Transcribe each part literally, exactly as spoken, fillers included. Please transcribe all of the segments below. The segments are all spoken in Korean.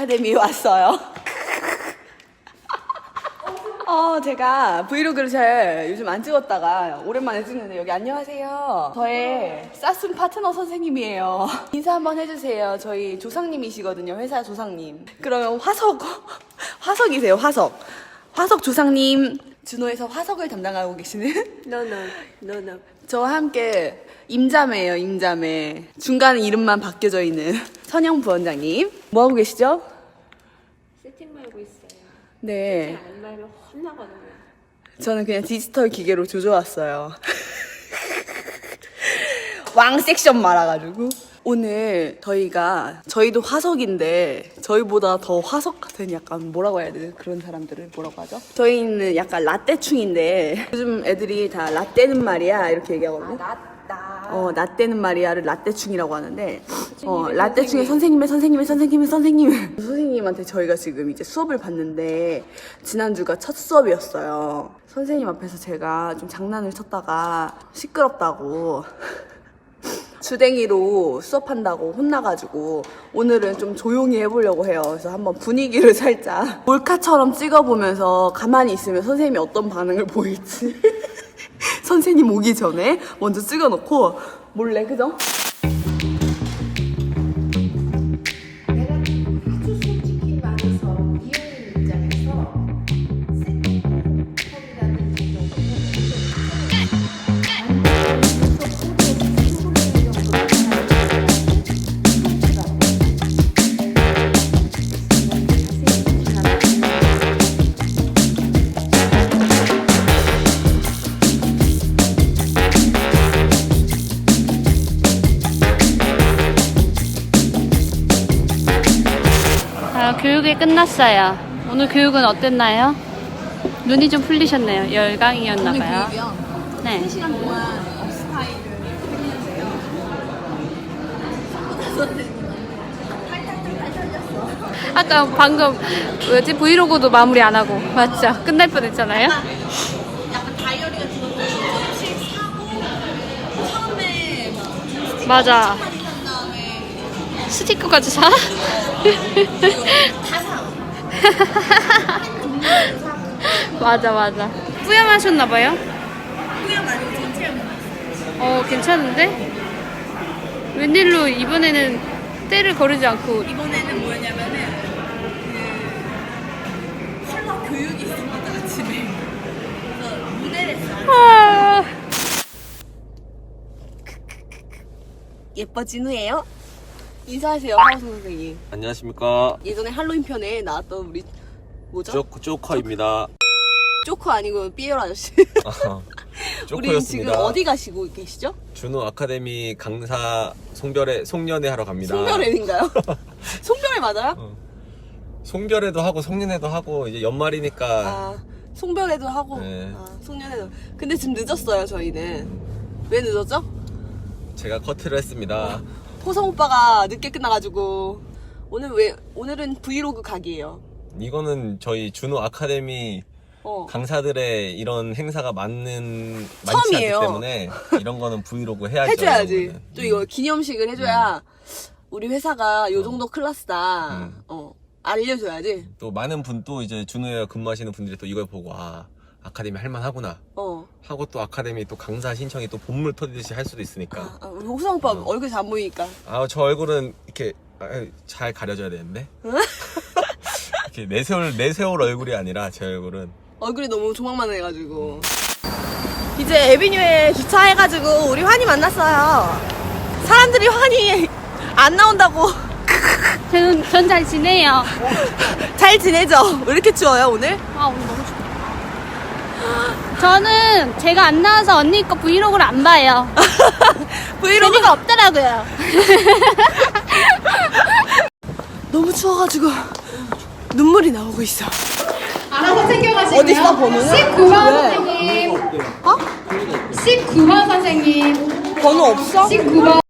아카데미에 왔어요. 어, 제가 브이로그를 잘 요즘 안 찍었다가 오랜만에 찍는데 여기 안녕하세요. 저의 쌌순 파트너 선생님이에요. 인사 한번 해주세요. 저희 조상님이시거든요. 회사 조상님. 그러면 화석, 화석이세요. 화석. 화석 조상님. 준호에서 화석을 담당하고 계시는 No, no, no, no. 저와 함께 임자매예요. 임자매. 중간에 이름만 바뀌어져 있는 선영 부원장님. 뭐 하고 계시죠? 세팅 말고 있어요. 네. 세팅 안 말면 혼나거든요. 저는 그냥 디지털 기계로 조져왔어요. 왕 섹션 말아가지고. 오늘 저희가, 저희도 화석인데, 저희보다 더 화석 같은 약간 뭐라고 해야 되나? 그런 사람들을 뭐라고 하죠? 저희는 약간 라떼충인데, 요즘 애들이 다 라떼는 말이야. 이렇게 얘기하거든요. 나, 나. 어, 라떼는 말이야를 라떼충이라고 하는데, 어, 라떼충의 선생님의 선생님의 선생님의 선생님. 선생님한테 저희가 지금 이제 수업을 받는데, 지난주가 첫 수업이었어요. 선생님 앞에서 제가 좀 장난을 쳤다가 시끄럽다고 주댕이로 수업한다고 혼나가지고 오늘은 좀 조용히 해보려고 해요. 그래서 한번 분위기를 살짝 몰카처럼 찍어보면서 가만히 있으면 선생님이 어떤 반응을 보일지 선생님 오기 전에 먼저 찍어놓고 몰래, 그죠? 내가 아주 솔직히 말해서 이용인 입장에서 세팅이라는 아, 교육이 끝났어요. 오늘 교육은 어땠나요? 눈이 좀 풀리셨네요. 열강이었나봐요. 네. 세 시간 동안 업스타일을 해주세요. 아까 방금 뭐였지? 브이로그도 마무리 안 하고 맞죠? 끝날 뻔했잖아요. 약간 다이어리 같은 것도 조금씩 사고 처음에 막 맞아. 한 다음에 스티커까지 사? 다 사. 맞아 맞아. 뿌염하셨나봐요. 그냥 말고 전체를 어 괜찮은데? 웬일로 이번에는 때를 거르지 않고. 이번에는 뭐였냐면은 그 컬러 교육이 있습니다 아침에. 그래서 무대를 했어요. 아, 예뻐 진우예요. 인사하세요 하우스 선생님. 안녕하십니까. 예전에 할로윈 편에 나왔던 우리 뭐죠? 쪼, 쪼커입니다. 쪼커 아니고 삐에로 아저씨. 우리 지금 쪼커였습니다. 어디 가시고 계시죠? 준호 아카데미 강사 송별회, 송년회 하러 갑니다. 송별회인가요? 송별회 맞아요? 어. 송별회도 하고 송년회도 하고 이제 연말이니까 아, 송별회도 하고 네. 아, 송년회도. 근데 지금 늦었어요 저희는. 왜 늦었죠? 제가 커트를 했습니다. 호성 오빠가 늦게 끝나가지고 오늘 왜 오늘은 브이로그 각이에요. 이거는 저희 준호 아카데미 어. 강사들의 이런 행사가 많는 많지 처음이에요. 않기 때문에 이런 거는 브이로그 해야죠. 해줘야지. 이거는. 또 이거 기념식을 해줘야 우리 회사가 요 어. 정도 클래스다. 음. 어 알려줘야지. 또 많은 분 또 이제 준호에 근무하시는 분들이 또 이걸 보고 아 아카데미 할만하구나 어. 하고 또 아카데미 또 강사 신청이 또 본물 터지듯이 할 수도 있으니까. 아, 우리 호성 오빠 얼굴 잘 안 보이니까. 아 저 얼굴은 이렇게 아, 잘 가려져야 되는데 이렇게 내세울 내세울 얼굴이 아니라 제 얼굴은 얼굴이 너무 조망만해가지고. 이제 에비뉴에 주차해가지고 우리 환희 만났어요. 사람들이 환희 안 나온다고. 저는 전 잘 지내요. 잘 지내죠? 왜 이렇게 추워요 오늘? 아 오늘 너무 춥다. 저는 제가 안 나와서 언니 거 브이로그를 안 봐요. 브이로그 재미가 없더라고요. 너무 추워가지고 눈물이 나오고 있어. 알아서 챙겨가시고요. 어디 있어 번호는? 십구 번 왜? 선생님. 어? 십구 번 선생님. 번호 없어? 십구 번.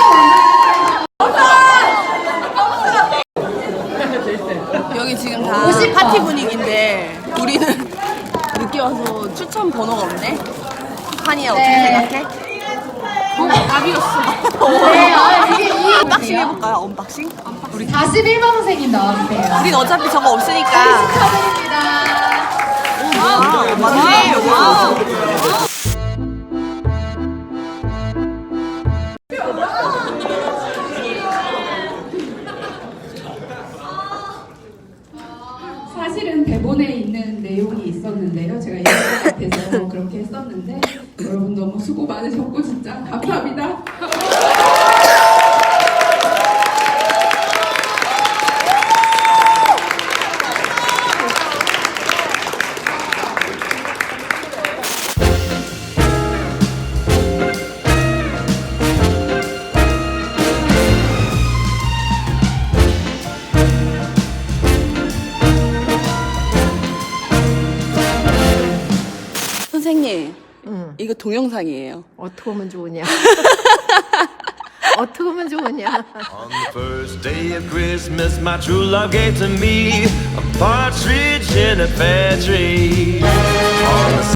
여기 지금 다 파티 분위기인데 우리는 늦게 와서 추천 번호가 없네. 환희야 어떻게 네. 생각해? 어, 답이었어. 네, 아, 이게 이 언박싱 해볼까요? 언박싱? 우리 사십일 번 선생님 나와주세요. 우린 어차피 저거 없으니까. 축하드립니다. 아, 맞네. 와우. 사실은 대본에 있는 내용이 있었는데요. 제가 이것 같아서 그렇게 했었는데 여러분 너무 수고 많으셨고 진짜 감사합니다. 선생님, 응. 이거 동영상이에요. 어떻게 하면 좋으냐? 어떻게 하면 좋으냐? On the first day of Christmas, my true love gave to me a partridge in a pear tree. On the